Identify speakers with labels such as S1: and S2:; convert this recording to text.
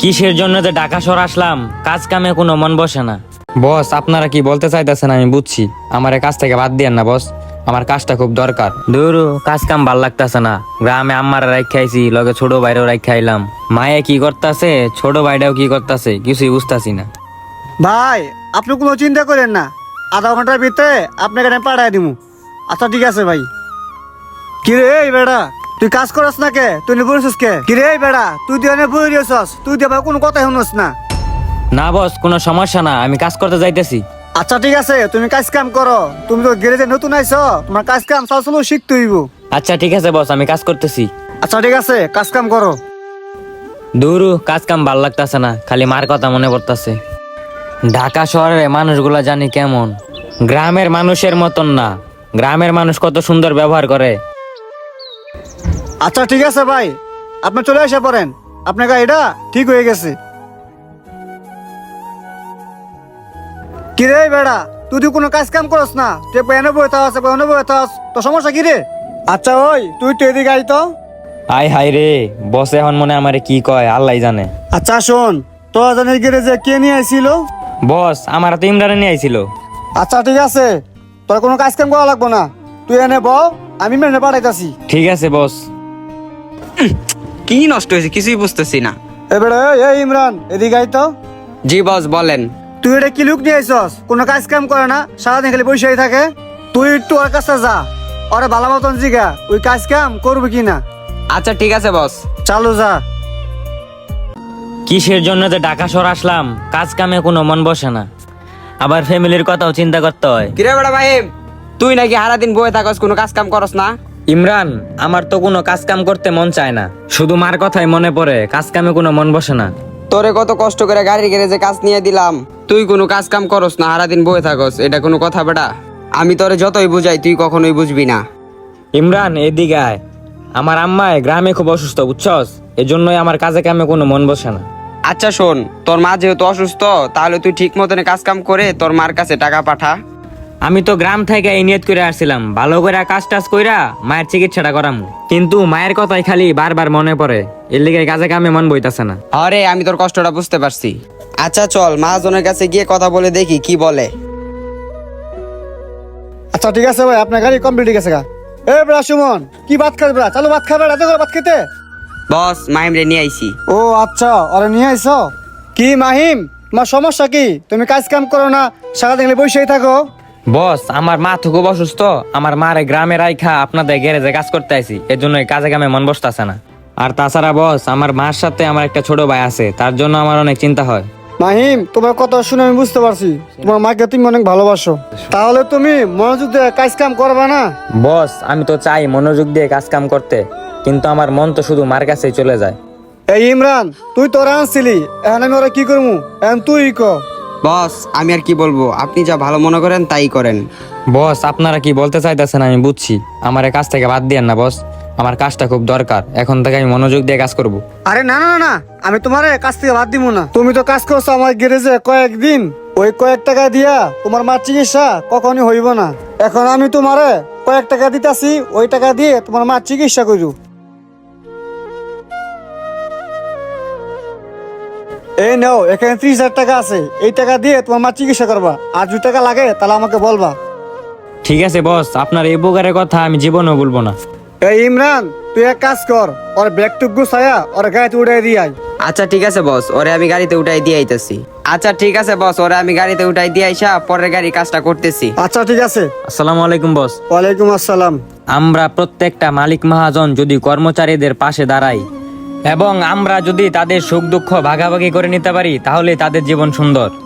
S1: কিসের জন্য যে ঢাকা শহর আসলাম, কাজ কামে কোনো মন বসে না। বস, আপনারা কি বলতে চাইতেছেন আমি বুঝছি, আমার কাজ থেকে বাদ দিয়েন না বস, আমার কাজটা খুব দরকার। দূর, কাজ কাম ভাল লাগতেছে না। গ্রামে আম্মারা রাখাইছি, লগে ছোট ভাইরাও রাখাইলাম। মায়ে কি করতেছে, ছোট ভাইটাও কি করতেছে, কিছুই বুঝতাছি না।
S2: ভাই, আপনি কোনো চিন্তা করেন না, আধা ঘন্টার ভিতরে আপনাকে আমি পাঠাই দিব। আচ্ছা ঠিক আছে ভাই। কিরে এই বেড়া, তুই কাজ করস না কে? তুই বলছিস কে? কিরে এই বেড়া, তুই দিয়ে বই দিয়েছস, তুই দিয়ে ভাই কোনো কথাই শুনস না।
S1: না বস, কোনো সমস্যা না, আমি কাজ করতে যাইতেছি।
S2: আচ্ছা ঠিক আছে, তুমি কাজ কাম করো। তুমি তো গ্যারেজে নতুন আইছো, তোমার কাজ কাম চালচলো শিখতে হইব।
S1: আচ্ছা ঠিক আছে বস, আমি কাজ করতেছি।
S2: আচ্ছা ঠিক আছে, কাজ কাম করো।
S1: দূর, কাজ কাম ভাল লাগতেছে না, খালি মার কথা মনে পড়তেছে। ঢাকা শহরের মানুষগুলা জানি কেমন, গ্রামের মানুষের মতন না। গ্রামের মানুষ কত সুন্দর ব্যবহার করে।
S2: আচ্ছা ঠিক আছে ভাই, আপনি চলে এসে পড়েন, আপনার গাড়িটা ঠিক হয়ে গেছে। কিরে এই বেড়া, তুই তো কোনো কাজ কাম করস না, তুই এনে বই থাস, এনে বই থাস, তো সমস্যা কি রে? আচ্ছা ওই, তুই তো এদিকে আই তো।
S1: আই হাই রে, বস এখন মনে আমারে কি কয় আল্লাহ জানে।
S2: আচ্ছা শোন, তো জানিস গ্যারেজে কে নিয়ে আইছিল?
S1: বস, আমার তো ইমরানে নিয়ে আইছিল।
S2: আচ্ছা ঠিক আছে, তোর কোনো কাজ কাম করা লাগবো না, তুই এনে ব, আমি মেনে পাঠাইতাছি।
S1: ঠিক আছে বস।
S3: কি নষ্ট হয়েছে কিছুই বুঝতেছি না।
S2: এবারে এই ইমরান, এদিকে আই তো।
S3: জি বস বলেন।
S2: তুই এটা কি লুক নিয়ে আইসস? কোনো কাজ কাম করে না, সারাদিন খালি বসেই থাকে। তুই একটু ওর কাছে যা, ওরে ভালো মতন জিগা ওই কাজ কাম করবি কি না।
S3: আচ্ছা ঠিক আছে বস।
S2: চালু যা।
S1: কিসের জন্য যে ঢাকা শহর আসলাম, কাজ কামে কোনো মন বসে না। আবার ফ্যামিলির কথাও চিন্তা করতে হয়।
S3: কিরে বড় ভাই, তুই নাকি সারাদিন বয়ে থাকস, কোনো কাজ কাম করস না?
S1: ইমরান, আমার তো কোনো কাজ কাম করতে মন চায় না, শুধু মার কথাই মনে পড়ে, কাজ কামে কোনো মন বসে না।
S3: তোরে কত কষ্ট করে গাড়ির গ্যারেজে কাজ নিয়ে দিলাম, তুই কোনো কাজ কাম করস না, সারাদিন বয়ে থাকস, এটা কোনো কথা বেটা? আমি তোরে যতই বুঝাই তুই কখনোই বুঝবি না।
S1: ইমরান এদিকে আয়, আমার আম্মায় গ্রামে খুব অসুস্থ বুঝছস, এজন্যই আমার কাজে কামে কোনো মন বসে না।
S3: আচ্ছা শোন, তোর মা যেহেতু অসুস্থ, তাহলে তুই ঠিক মতন কাজ কাম করে তোর মার কাছে টাকা পাঠা।
S1: আমি তো গ্রাম থেকে এই নিয়ত করে আসছিলাম, ভালো করে কাজ টাজ কইরা মায়ের চিকিৎসাটা করাম, কিন্তু মায়ের কথাই খালি বারবার মনে পড়ে, এর লিগে কাজে কামে মন বইতাছে না।
S3: আরে আমি তোর কষ্টটা বুঝতে পারছি। আচ্ছা চল মহাজনের কাছে গিয়ে কথা বলে দেখি কি বলে।
S2: আচ্ছা ঠিক আছে ভাই, আপনার গাড়ি কমপ্লিট হয়ে গেছে গা। এ বেড়া সুমন, কি ভাত খাবে বেড়া? চালু ভাত খাবে, রাতে করে ভাত খেতে।
S3: বস, মাইম রে নিয়ে আইছি।
S2: ও আচ্ছা, ওরে নিয়ে আইছো। কি মাহিম, তোমার সমস্যা কি? তুমি কাজ কাম করো না, সারাদিন খালি বসেই থাকো।
S1: বস, আমার মা তো খুব অসুস্থ, আমার মারে গ্রামে রাইখা আপনাদের গ্যারেজে কাজ করতে আইছি, এর জন্য কাজে কামে মন বসতাছে না। আর তাছাড়া বস, আমার মার সাথে আমার একটা ছোট ভাই আছে, তার জন্য আমার অনেক চিন্তা হয়।
S2: মাহিম, তোমার কথা শুনে আমি বুঝতে পারছি তোমার মাকে তুমি অনেক ভালোবাসো, তাহলে তুমি মনোযোগ দিয়ে কাজ কাম করবে না?
S1: বস, আমি তো চাই মনোযোগ দিয়ে কাজ কাম করতে, কিন্তু আমার মন তো শুধু মার কাছেই চলে যায়।
S2: এই ইমরান, তুই তো ওরা আনছিলি, এখন আমি ওরা কি করবো? এখন তুই ক।
S3: বস, আমি আর কি বলবো, আপনি যা ভালো মনে করেন তাই করেন।
S1: বস, আপনারা কি বলতে চাইতেছেন আমি বুঝছি, আমার এই কাজ থেকে বাদ দিয়েন না বস, আমার কাজটা খুব দরকার, এখন থেকে আমি মনোযোগ দিয়ে কাজ করব।
S2: আরে না না না না, আমি তোমার কাজ থেকে বাদ দিব না। তুমি তো কাজ করছো আমার গ্যারেজে কয়েকদিন, ওই কয়েক টাকা দিয়া তোমার মার চিকিৎসা কখনই হইব না। এখন আমি তোমারে কয়েক টাকা দিতাছি, ওই টাকা দিয়ে তোমার মার চিকিৎসা করু। এই নাও, এখানে 30,000 টাকা আছে, এই টাকা দিয়ে তোমার মার চিকিৎসা করবা। আর 2 টাকা লাগে তাহলে আমাকে বলবা।
S1: ঠিক আছে বস, আপনার এই উপকারের কথা আমি জীবনেও বলবো না।
S2: এই ইমরান, তুই এক কাজ কর, ওর ব্যাগ টুক গুছায়া ওর গাড়িতে উঠাই দিয়ে আয়।
S3: আচ্ছা ঠিক আছে বস, ওরে আমি গাড়িতে উঠাই দিয়ে আইতেছি। আচ্ছা ঠিক আছে বস, ওরে আমি গাড়িতে উঠাই দিয়ে আইসা পরের গাড়ি কাজটা করতেছি।
S2: আচ্ছা ঠিক আছে।
S1: আসসালামু আলাইকুম বস।
S2: ওয়ালাইকুম আসসালাম।
S1: আমরা প্রত্যেকটা মালিক মহাজন যদি কর্মচারীদের পাশে দাঁড়াই এবং আমরা যদি তাদের সুখ দুঃখ ভাগাভাগি করে নিতে পারি, তাহলে তাদের জীবন সুন্দর।